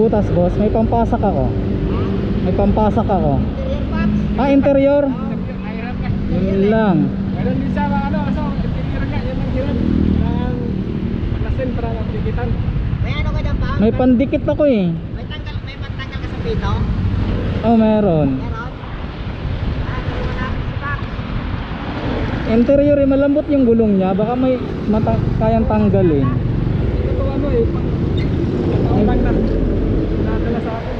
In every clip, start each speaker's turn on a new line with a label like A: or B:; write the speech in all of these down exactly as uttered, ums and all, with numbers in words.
A: butas boss, may pampasak ako. May pampasak ako.
B: Interior box.
A: Ah, interior?
B: Iron ka.
A: Yun lang.
C: Meron din siya ano, so interior nga, yan ang hirap ng paglasin para mapigitan.
B: May ano ka dyan pa?
A: May pandikit ako eh.
B: May tanggal, may pantanggal ka sa pito?
A: Oh, meron.
B: Meron? Ah, pero wala si box.
A: Interior eh, malambot yung gulong niya. Baka may mata kayang tanggalin.
C: Ito ano eh, pang pang na nadala sa akin.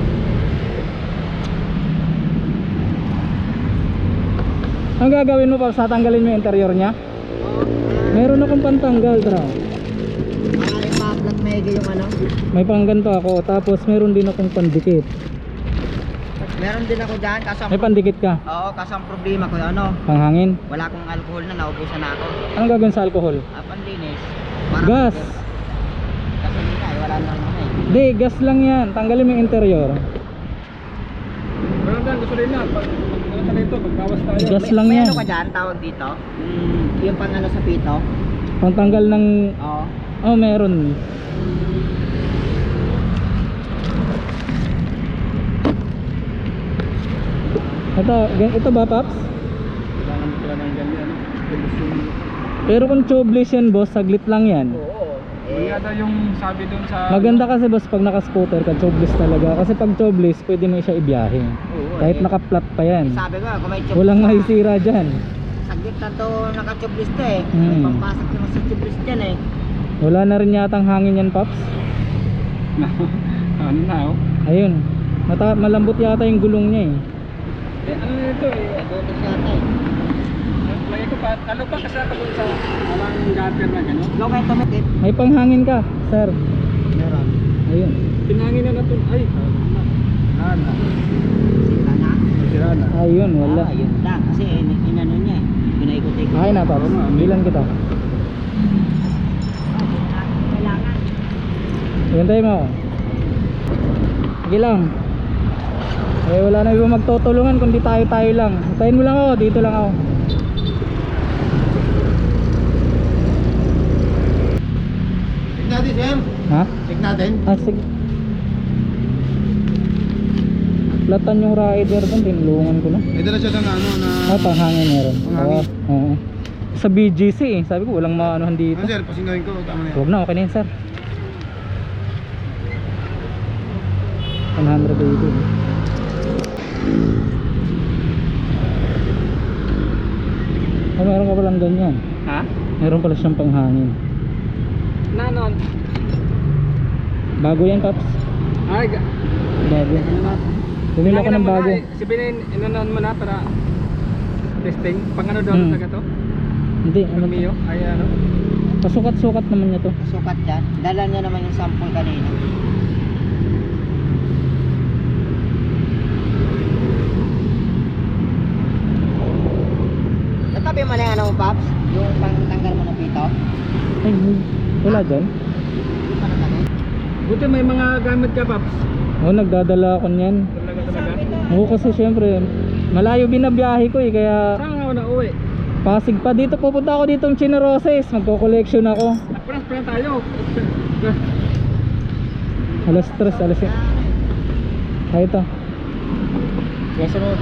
A: Ang gagawin mo pa sa tanggalin mo yung interior niya?
B: Oo.
A: Meron akong pantanggal, bro.
B: Maaaring pa-flat maigi yung ano.
A: May pangganto ako, tapos meron din akong pandikit.
B: Meron din ako dyan, kaso ang,
A: May pandikit ka?
B: oo, kaso ang problema ko ano,
A: Panghangin?
B: wala akong alcohol na, naubusan na ako.
A: Anong gagawin sa alcohol?
B: Ah, panlinis.
A: Gas!
B: Gasolina eh, wala naman eh.
A: Di, gas lang yan. Tanggalin mo yung interior.
C: Meron din gusto rin na pag ano sa dito, pagbawas tayo.
A: Gas
B: May,
A: lang
B: may
A: yan.
B: ano ka dyan, tawag dito? Mm, yung pang ano sa pito?
A: Pangtanggal ng...
B: Oo.
A: Oh, meron. Ito, gan- ito ba, Paps?
C: Kailangan mo pala ng ganyan, ano?
A: Pero kung tubeless yan, boss, saglit lang yan.
C: Oo. Eh, yata yung sabi dun sa
A: Maganda kasi, boss, pag naka-scooter ka, tubeless talaga. Kasi pag tubeless, pwede mo siya ibiyahe.
C: Oo,
A: Kahit
B: eh.
A: naka-flat pa yan.
B: Sabi ko, kung may tubeless
A: Walang
B: ka,
A: maisira dyan.
B: saglit na to naka-tubeless to eh. May
A: Hmm.
B: pampasok naman sa tubeless dyan eh.
A: Wala na rin yatang hangin yan, Paps.
C: ano na oh.
A: Ayun. Mata malambot yata yung gulong niya eh.
C: Eh, ano na ito eh.
B: Dotos yata eh.
C: Lagi ko pa, ano pa kasi ako dun sa alang gutter na gano'n.
B: Low kayo tumitit.
A: May panghangin ka, sir.
B: Meron.
A: Ayun.
C: Pinangin na natin, ay, wala na.
B: Sira na.
C: Sira na.
A: Ayun, wala.
B: Ah, yun lang. Kasi in- inano niya eh. Pinaikot-ikot.
A: Okay na, Paps. Bilan kita.
B: Kailangan.
A: Hintay mo. Sige lang. Eh, wala na iba magtutulungan kundi tayo-tayo lang. Hintayin mo lang ako, dito lang ako.
B: Check natin, sir.
A: Ha?
B: Check natin.
A: Ah, sige. Platan yung rider doon, tinulungan ko na.
C: May dala siya ng ano na...
A: Ah, panghangin meron.
C: Panghangin?
A: Oo. Oo. Sa B G C eh. Sabi ko, walang maanohan dito.
C: Ano sir, pasingahin ko, tama na yan.
A: Huwag na, okay na yun, sir. one hundred eighty. Oh, meron ka palang ganyan.
C: Ha?
A: Meron pala siyang panghangin.
C: Nanon?
A: Bago yan, Paps.
C: Ay, ga-
A: Bago.
C: ano na?
A: Bumili ako ng bago.
C: Si Binin, inanon mo na para testing. Pang ano daw
A: Hmm.
C: taga to?
A: Hindi, ano
C: Pang Mio? Ay ano?
A: pasukat-sukat naman niya to.
B: Sukat dyan. Dala niya naman yung sample kanina. Natabi mo na yung ano mo, Paps? Yung pangtanggal mo ng pito?
A: Ay, wala dyan.
B: Yung pa natabi?
C: Buti may mga gamit ka, Paps.
A: Oo, nagdadala ako niyan.
C: Talaga talaga.
A: Oo, kasi syempre, malayo binabiyahe ko eh, kaya
C: Saan nga ako na uwi?
A: Pasig pa. Dito pupunta ako dito ng Chinaroses. Magko-collection ako.
C: Nagparas pa lang tayo.
A: Alas tres, alas tres. Ay, ito.
C: Gasa mo.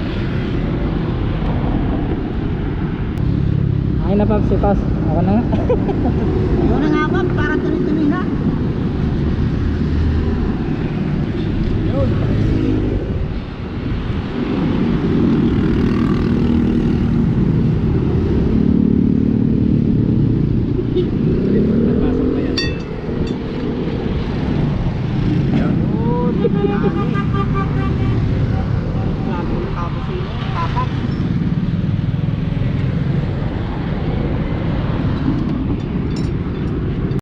A: Ay na, Paps, ipas. Ako na nga.